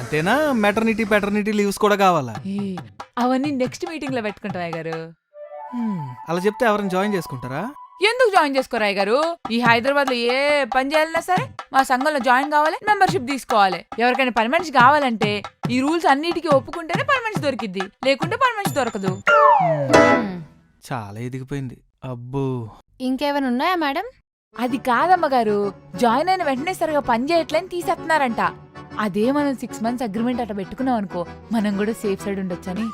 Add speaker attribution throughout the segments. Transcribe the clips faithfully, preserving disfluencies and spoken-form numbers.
Speaker 1: అంతేనా maternity paternity leaves కూడా కావాలా?
Speaker 2: ఏ, అవన్నీ నెక్స్ట్ మీటింగ్ లో పెట్టుకుంటాం గారు.
Speaker 1: హ్మ్, అలా చెప్తే ఎవరైనా జాయిన్ చేసుకుంటారా?
Speaker 2: ఎందుకు జాయిన్ చేసుకోరా గారు? ఈ హైదరాబాద్ లో ఏ పని చేయాలన్నా సరే మా సంఘంలో జాయిన్ కావాలి, మెంబర్షిప్ తీసుకోవాలి. ఎవరికైనా పని మనిషి కావాలంటే ఈ రూల్స్ అన్నిటికీ ఒప్పుకుంటేనే పని మనిషి దొరికిద్ది, లేకుంటే పని మనిషి దొరకదు.
Speaker 1: చాలా ఎదిగిపోయింది. అబ్బో,
Speaker 3: ఇంకేమైనా ఉన్నాయా మేడం?
Speaker 2: అది కాదమ్మ గారు, జాయిన్ అయిన వెంటనే సరిగా పని చేయట్లేని తీసేస్తున్నారంట. అదే మనం సిక్స్ మంత్స్ అగ్రిమెంట్ అట్లా పెట్టుకున్నాం అనుకో, మనం కూడా సేఫ్ సైడ్ ఉండొచ్చని.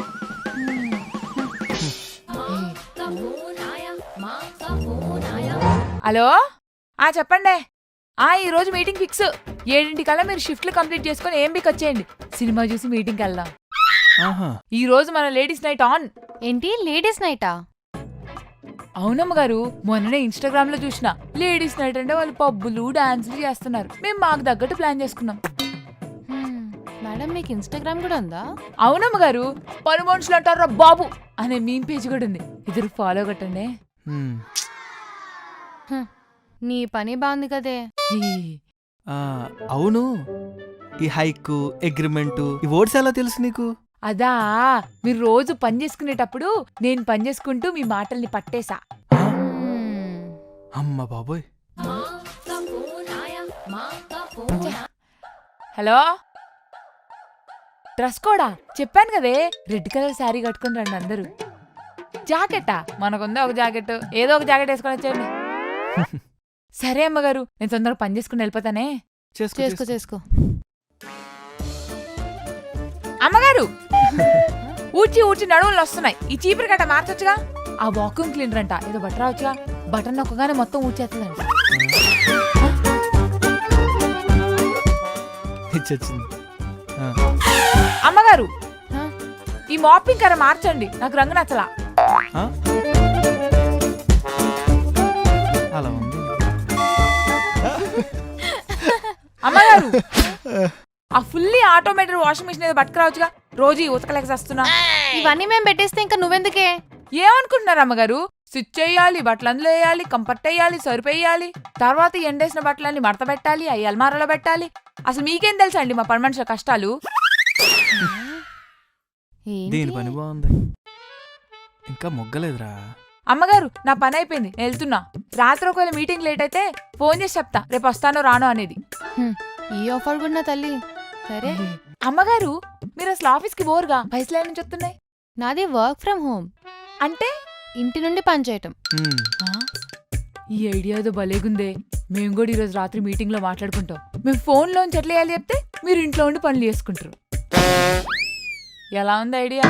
Speaker 2: హలో, ఆ చెప్పండి. ఆ ఈ రోజు మీటింగ్ ఫిక్స్. ఏడింటికల్లా మీరు షిఫ్ట్లు కంప్లీట్ చేసుకుని ఏం బిక్ వచ్చేయండి. సినిమా చూసి మీటింగ్కి వెళ్దాం. ఈ రోజు మన లేడీస్ నైట్ ఆన్.
Speaker 3: ఏంటి లేడీస్ నైటా?
Speaker 2: అవునమ్మ గారు, మొన్ననే ఇన్స్టాగ్రామ్ లో చూసిన. లేడీస్ నైట్ అంటే వాళ్ళు పబ్బులు డాన్సులు చేస్తున్నారు. మేము మాకు తగ్గట్టు ప్లాన్ చేసుకున్నాం.
Speaker 3: మేడం మీకు ఇన్స్టాగ్రామ్ కూడా ఉందా?
Speaker 2: అవునమ్మ గారు, పలు మనుషులు అంటారా బాబు అనే మీమ్ పేజ్ కూడా ఉంది. ఇద్దరు ఫాలో కొట్టండి.
Speaker 3: నీ పని బాగుంది కదే.
Speaker 1: అవును, ఈ హైక్ అగ్రిమెంట్ ఈ వర్డ్స్ ఎలా తెలుసు నీకు?
Speaker 2: అదా, మీరు రోజు పని చేసుకునేటప్పుడు నేను పని చేసుకుంటూ మీ మాటల్ని పట్టేశా.
Speaker 1: అమ్మ బాబోయ్.
Speaker 2: హలో, డ్రెస్ కోడా చెప్పాను కదే, రెడ్ కలర్ శారీ కట్టుకుని రండి అందరూ. జాకెట్టా? మనకుందా ఒక జాకెట్, ఏదో ఒక జాకెట్ వేసుకొని వచ్చేయండి. సరే అమ్మగారు, నేను తొందరగా పని చేసుకుని వెళ్ళిపోతానే.
Speaker 3: చేసుకో చేసుకో.
Speaker 2: అమ్మగారు, ఊడ్చి ఊడ్చి నడువులు వస్తున్నాయి. ఈ చీపురు గట్ట మార్చొచ్చుగా. ఆ వాక్యూమ్ క్లీనర్ అంట, ఏదో బట్ట రావచ్చుగా. బటన్ నొక్కగానే మొత్తం ఊడ్చేస్తుందంట. అమ్మగారు, ఈ మాపింగ్ కర మార్చండి, నాకు రంగు నచ్చలా.
Speaker 1: అలా ఉంది.
Speaker 2: అమ్మగారు, ఆ ఫుల్లీ ఆటోమేటెడ్ వాషింగ్ మిషన్ ఏదో పట్టుకురావచ్చుగా. రోజు ఉతకలేక వస్తున్నా.
Speaker 3: ఇవన్నీ మేము పెట్టేస్తే ఇంకా నువ్వెందుకే?
Speaker 2: ఏమనుకుంటున్నారు అమ్మగారు? స్విచ్ వేయాలి, బట్టలు అందులో వేయాలి, కంఫర్ట్ వేయాలి, సరుపు వేయాలి, తర్వాత ఎండేసిన బట్టలన్నీ మడత పెట్టాలి, అవి అల్మారాలో పెట్టాలి. అసలు మీకేం తెలుసా అండి మా పని మనుషుల కష్టాలు?
Speaker 1: దీని పని బాగుంది, ఇంకా మొగ్గలేదురా.
Speaker 2: అమ్మగారు, నా పని అయిపోయింది, నేను వెళ్తున్నా. రాత్రి ఒకవేళ మీటింగ్ లేట్ అయితే ఫోన్ చేసి చెప్తా రేపు వస్తానో రానో అనేది.
Speaker 3: ఈ ఆఫర్ కూడా నా తల్లి. సరే
Speaker 2: అమ్మగారు, మీరు అసలు ఆఫీస్ కి బోర్గా పైసలు ఏం నుంచి వస్తున్నాయి?
Speaker 3: నాది వర్క్ ఫ్రమ్ హోమ్.
Speaker 2: అంటే
Speaker 3: ఇంటి నుండి పని చేయటం.
Speaker 2: ఈ ఐడియా ఏదో భలేగుందే. మేము కూడా ఈరోజు రాత్రి మీటింగ్ లో మాట్లాడుకుంటాం. మేము ఫోన్ లోంచి ఎట్లా వేయాలి చెప్తే మీరు ఇంట్లో ఉండి పనులు చేసుకుంటారు. ఎలా ఉంది ఐడియా?